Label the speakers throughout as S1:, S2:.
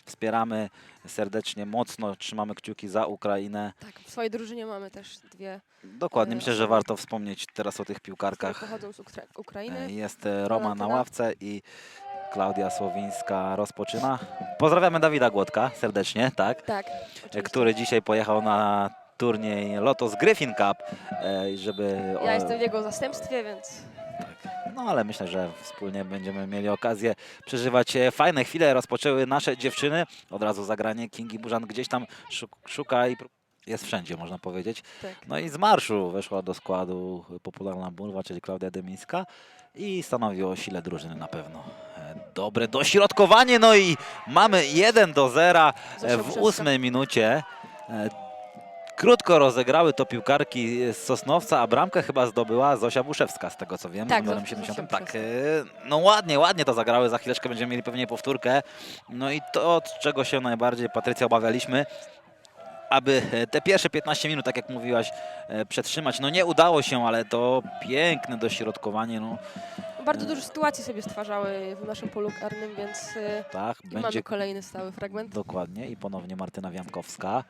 S1: wspieramy serdecznie, mocno trzymamy kciuki za Ukrainę.
S2: Tak, w swojej drużynie mamy też dwie,
S1: Dokładnie, myślę, że
S2: osoby,
S1: warto wspomnieć teraz o tych
S2: które
S1: piłkarkach.
S2: pochodzą z Ukrainy.
S1: Jest Roma na
S2: Walentyna.
S1: ławce i Klaudia Słowińska rozpoczyna. Pozdrawiamy Dawida Głodka serdecznie, tak?
S2: Tak, oczywiście.
S1: Który dzisiaj pojechał na turniej Lotos Griffin Cup, żeby...
S2: Ja jestem w jego zastępstwie, więc
S1: Tak. No ale myślę, że wspólnie będziemy mieli okazję przeżywać fajne chwile. Rozpoczęły nasze dziewczyny. Od razu zagranie Kingi Burzan gdzieś tam szuka i jest wszędzie, można powiedzieć.
S2: tak.
S1: No i z marszu weszła do składu popularna burwa, czyli Klaudia Demińska i stanowi o sile drużyny na pewno. Dobre dośrodkowanie, no i mamy 1-0
S2: Zosia
S1: w
S2: Burzewska.
S1: 8 minucie. Krótko rozegrały to piłkarki z Sosnowca, a bramkę chyba zdobyła Zosia Buszewska, z tego co wiem,
S2: Tak,
S1: z numerem
S2: Zosia
S1: 70.
S2: Buszewska.
S1: Tak, no ładnie to zagrały, za chwileczkę będziemy mieli pewnie powtórkę. No i to, od czego się najbardziej, Patrycja, obawialiśmy, aby te pierwsze 15 minut, tak jak mówiłaś, przetrzymać. No nie udało się, ale to piękne dośrodkowanie, no
S2: Bardzo dużo sytuacji sobie stwarzały w naszym polu karnym, więc
S1: tak,
S2: mamy
S1: będzie
S2: kolejny stały fragment.
S1: dokładnie i ponownie Martyna Wiankowska.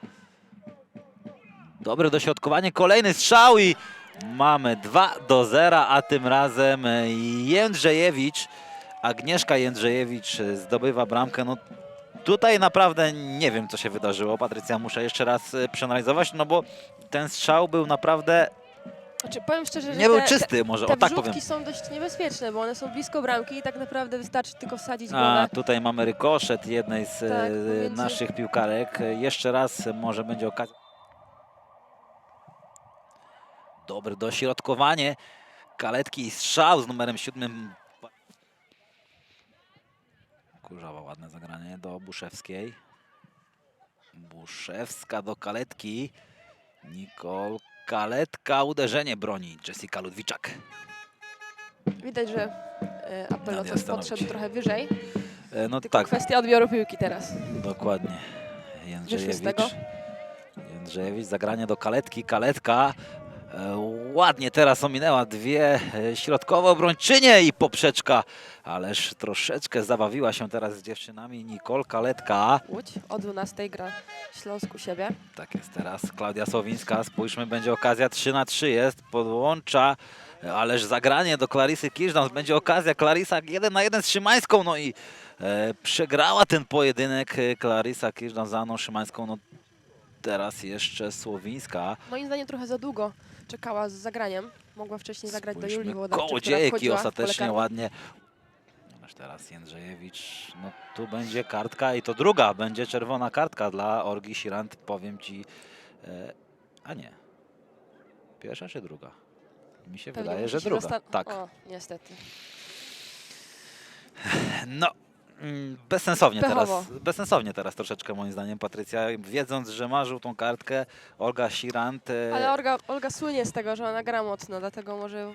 S1: Dobre dośrodkowanie, kolejny strzał i mamy 2-0, a tym razem Jędrzejewicz, Agnieszka Jędrzejewicz zdobywa bramkę. No tutaj naprawdę nie wiem, co się wydarzyło. Patrycja, muszę jeszcze raz przeanalizować, no bo ten strzał był naprawdę,
S2: Znaczy, powiem szczerze, że
S1: nie był czysty, może
S2: te
S1: o tak powiem.
S2: wrzutki są dość niebezpieczne, bo one są blisko bramki i tak naprawdę wystarczy tylko wsadzić
S1: A
S2: głowę.
S1: tutaj mamy rykoszet jednej z
S2: Tak, pomiędzy-
S1: naszych piłkarek. Jeszcze raz może będzie okazja. Dobre dośrodkowanie Kaletki i strzał z numerem 7. Kurzawa, ładne zagranie do Buszewskiej. Buszewska do Kaletki. Nicole Kaletka, uderzenie broni Jessica Ludwiczak.
S2: Widać, że Apel
S1: Nadia
S2: coś
S1: Stanowicz.
S2: podszedł trochę wyżej.
S1: No
S2: Tylko
S1: tak,
S2: kwestia odbioru piłki teraz.
S1: dokładnie.
S2: Wyszły z tego.
S1: Jędrzejewicz, zagranie do Kaletki. Kaletka ładnie teraz ominęła dwie środkowe obrończynie i poprzeczka. Ależ troszeczkę zabawiła się teraz z dziewczynami Nicole Kaletka.
S2: Łódź o 12 gra Śląsk u siebie.
S1: Tak jest teraz Klaudia Słowińska. Spójrzmy, będzie okazja 3-3 jest. Podłącza, ależ zagranie do Clarisy Kirzdans. Będzie okazja. Clarisa 1-1 z Szymańską. No i przegrała ten pojedynek Clarisa Kirzdans za Anną Szymańską. No teraz jeszcze Słowińska.
S2: Moim zdaniem trochę za długo czekała z zagraniem. Mogła wcześniej zagrać do Julii Włodarczyk, która
S1: Kołodziejki
S2: wchodziła w pole
S1: ostatecznie
S2: karne.
S1: ładnie. Ależ teraz Jędrzejewicz. No tu będzie kartka i to druga. Będzie czerwona kartka dla Olgi Sirant. Powiem ci. A nie. Pierwsza czy druga? Mi się
S2: Pewnie
S1: wydaje, że
S2: musi się
S1: druga. Tak.
S2: O, niestety.
S1: No.
S2: Pechowo.
S1: Bezsensownie teraz troszeczkę moim zdaniem Patrycja, wiedząc, że ma żółtą kartkę, Olga Sirant.
S2: Ale Olga słynie z tego, że ona gra mocno, dlatego może...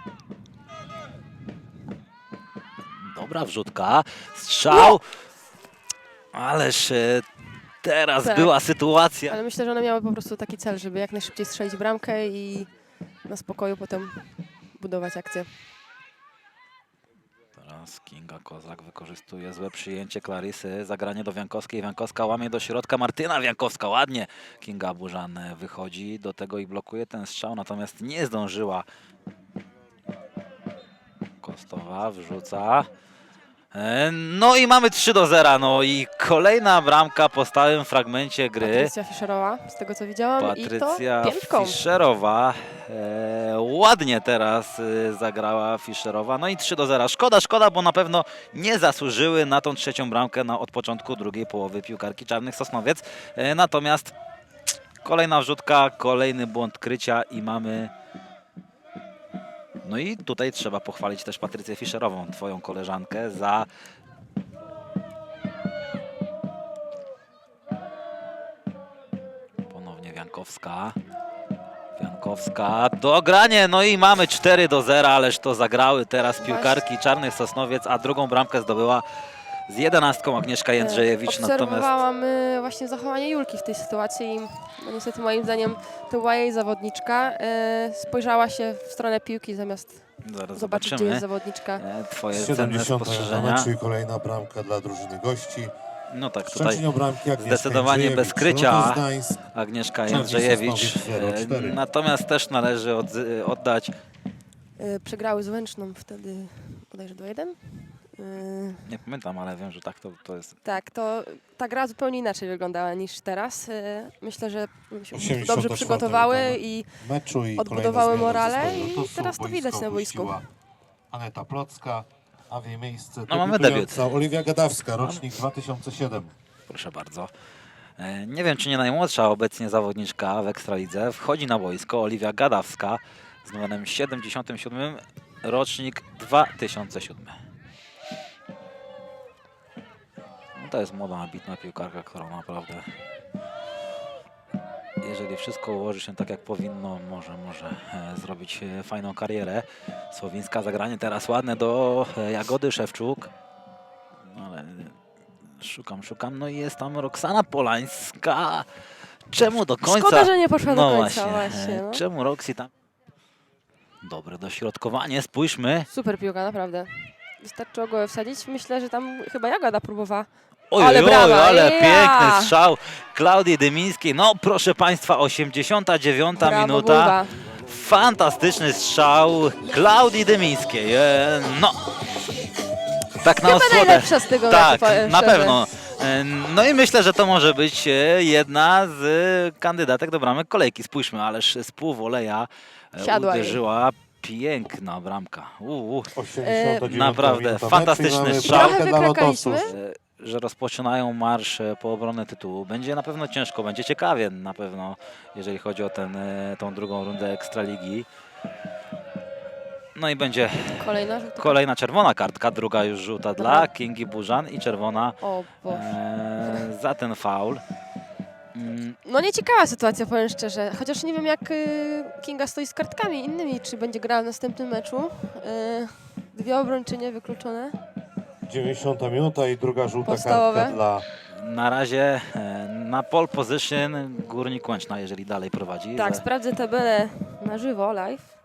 S1: Dobra wrzutka, strzał, ależ teraz
S2: Tak.
S1: była sytuacja.
S2: Ale myślę, że one miały po prostu taki cel, żeby jak najszybciej strzelić bramkę i na spokoju potem budować akcję.
S1: Teraz Kinga Kozak wykorzystuje złe przyjęcie Clarysy, zagranie do Wiankowskiej, Wiankowska łamie do środka, Martyna Wiankowska, ładnie Kinga Burzan wychodzi do tego i blokuje ten strzał, natomiast nie zdążyła. Kostowa wrzuca. No i mamy 3-0, no i kolejna bramka po stałym fragmencie gry.
S2: Patrycja Fischerowa, z tego co widziałam,
S1: Patrycja
S2: i to piętką.
S1: Fischerowa. Ładnie teraz zagrała Fischerowa. No i 3-0. Szkoda, bo na pewno nie zasłużyły na tą trzecią bramkę od początku drugiej połowy piłkarki Czarnych Sosnowiec. Natomiast kolejna wrzutka, kolejny błąd krycia i mamy... No i tutaj trzeba pochwalić też Patrycję Fischerową, twoją koleżankę, za ponownie Wiankowska. Wiankowska, dogranie, no i mamy 4-0, ależ to zagrały teraz piłkarki Czarnych Sosnowiec, a drugą bramkę zdobyła z 11 Agnieszka Jędrzejewicz. Natomiast
S2: Obserwowałam właśnie zachowanie Julki w tej sytuacji i no, niestety moim zdaniem to była jej zawodniczka. Spojrzała się w stronę piłki zamiast
S1: zaraz
S2: zobaczyć, gdzie
S1: zobaczymy
S2: jest zawodniczka.
S1: twoje cenne
S3: 70
S1: spostrzeżenia.
S3: meczu i kolejna bramka dla drużyny gości.
S1: No tak, tutaj
S3: Szczecin bramki Agnieszka
S1: zdecydowanie
S3: Jędrzejewicz,
S1: bez krycia
S3: Lotos Gdańsk,
S1: Agnieszka
S3: Czarny
S1: Jędrzejewicz.
S3: Sosnowiec 0-4.
S1: Natomiast też należy oddać,
S2: Przegrały z Łęczną wtedy bodajże 2-1.
S1: nie pamiętam, ale wiem, że tak to jest.
S2: Tak, to ta gra zupełnie inaczej wyglądała niż teraz. Myślę, że się
S3: 84
S2: dobrze przygotowały
S3: minuta
S2: i
S3: meczu i
S2: odbudowały
S3: kolejna zmiana
S2: morale
S3: zespołu
S2: i
S3: Lotosu.
S2: teraz to widać na boisku.
S3: opuściła Aneta Plocka, a w jej miejsce
S1: No, mamy
S3: debiutująca Oliwia Gadawska, rocznik 2007.
S1: Proszę bardzo. Nie wiem, czy nie najmłodsza obecnie zawodniczka w Ekstralidze. Wchodzi na boisko Oliwia Gadawska z numerem 77, rocznik 2007. No to jest młoda, ambitna piłkarka, która naprawdę, jeżeli wszystko ułoży się tak jak powinno, może zrobić fajną karierę. Słowińska zagranie teraz ładne do Jagody Szewczuk. No ale szukam, no i jest tam Roxana Polańska. Czemu do końca?
S2: Szkoda, że nie poszła
S1: No
S2: do końca
S1: właśnie,
S2: właśnie. No.
S1: czemu Roxy tam? Dobre dośrodkowanie, spójrzmy.
S2: Super piłka, naprawdę. Wystarczyło go wsadzić. Myślę, że tam chyba Jagoda próbowała.
S1: Oj,
S2: Ale brawa,
S1: ale
S2: ja!
S1: piękny strzał Klaudii Dymińskiej. No proszę Państwa, 89
S2: Brawo,
S1: minuta.
S2: Bulwa.
S1: Fantastyczny strzał Klaudii Dymińskiej. No, tak na
S2: Chyba
S1: osłodę.
S2: najlepsza z tego
S1: Tak,
S2: meczu, powiem
S1: na
S2: szczerze.
S1: pewno. No i myślę, że to może być jedna z kandydatek do bramek kolejki. Spójrzmy, ależ z półwoleja
S2: Siadła jej.
S1: uderzyła piękna bramka.
S3: 89
S1: naprawdę
S3: minuta meczu
S1: fantastyczny
S3: i mamy
S1: strzał.
S3: bramkę
S2: Trochę
S3: dla
S2: wykrakaliśmy.
S3: Lotosu.
S1: Że rozpoczynają marsz po obronę tytułu. Będzie na pewno ciężko, będzie ciekawie na pewno, jeżeli chodzi o tą drugą rundę Ekstraligi. No i będzie
S2: Kolejna żółta.
S1: kolejna czerwona kartka, druga już żółta dla Kingi Burzan i czerwona
S2: O Boże.
S1: za ten faul.
S2: No nieciekawa sytuacja, powiem szczerze. Chociaż nie wiem, jak Kinga stoi z kartkami innymi, czy będzie grała w następnym meczu. Dwie obrończynie wykluczone.
S3: 90 minuta i druga żółta
S2: Podstawowe.
S3: kartka dla
S1: Na razie na pole position Górnik Łęczna, jeżeli dalej prowadzi.
S2: Tak, sprawdzę tabelę na żywo, live.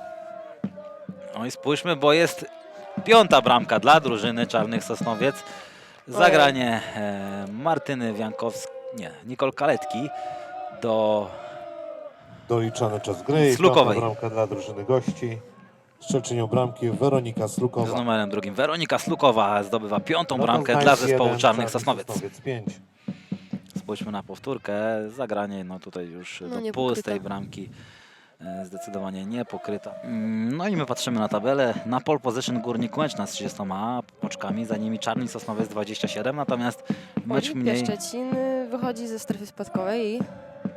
S1: No i spójrzmy, bo jest piąta bramka dla drużyny Czarnych Sosnowiec. Zagranie Martyny Wiankowskiej, nie, Nicole Kaletki do
S3: doliczany czas gry i
S1: Slukowej.
S3: piąta bramka dla drużyny gości. Strzelczynią bramki Weronika
S1: z
S3: Slukowa.
S1: numerem drugim. Weronika Slukowa zdobywa piątą
S3: Lotos
S1: bramkę
S3: Gdańsk
S1: dla zespołu
S3: 1,
S1: Czarnych Sosnowiec.
S3: 5.
S1: Spójrzmy na powtórkę. Zagranie, no tutaj już
S2: No,
S1: do
S2: nie
S1: pustej
S2: pokryta.
S1: bramki. Zdecydowanie nie pokryta. No i my patrzymy na tabelę. Na pole position Górnik Łęczna z 30 oczkami, za nimi Czarny Sosnowiec 27, natomiast mecz mniej.
S2: Szczecin wychodzi ze strefy spadkowej i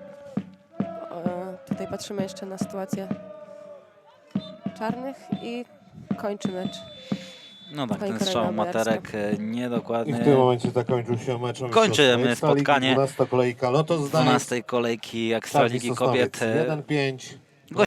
S2: tutaj patrzymy jeszcze na sytuację czarnych i kończy mecz.
S1: No tak, ten
S2: Kolejna
S1: strzał
S2: bojarska.
S1: Materek
S3: I
S1: niedokładny.
S3: w tym momencie zakończył się mecz.
S1: Kończymy spotkanie
S3: 12 kolejka Lotos Gdańsk.
S1: 12 kolejki Ekstraligi
S3: Czarni Sosnowiec
S1: Kobiet.
S3: 1-5.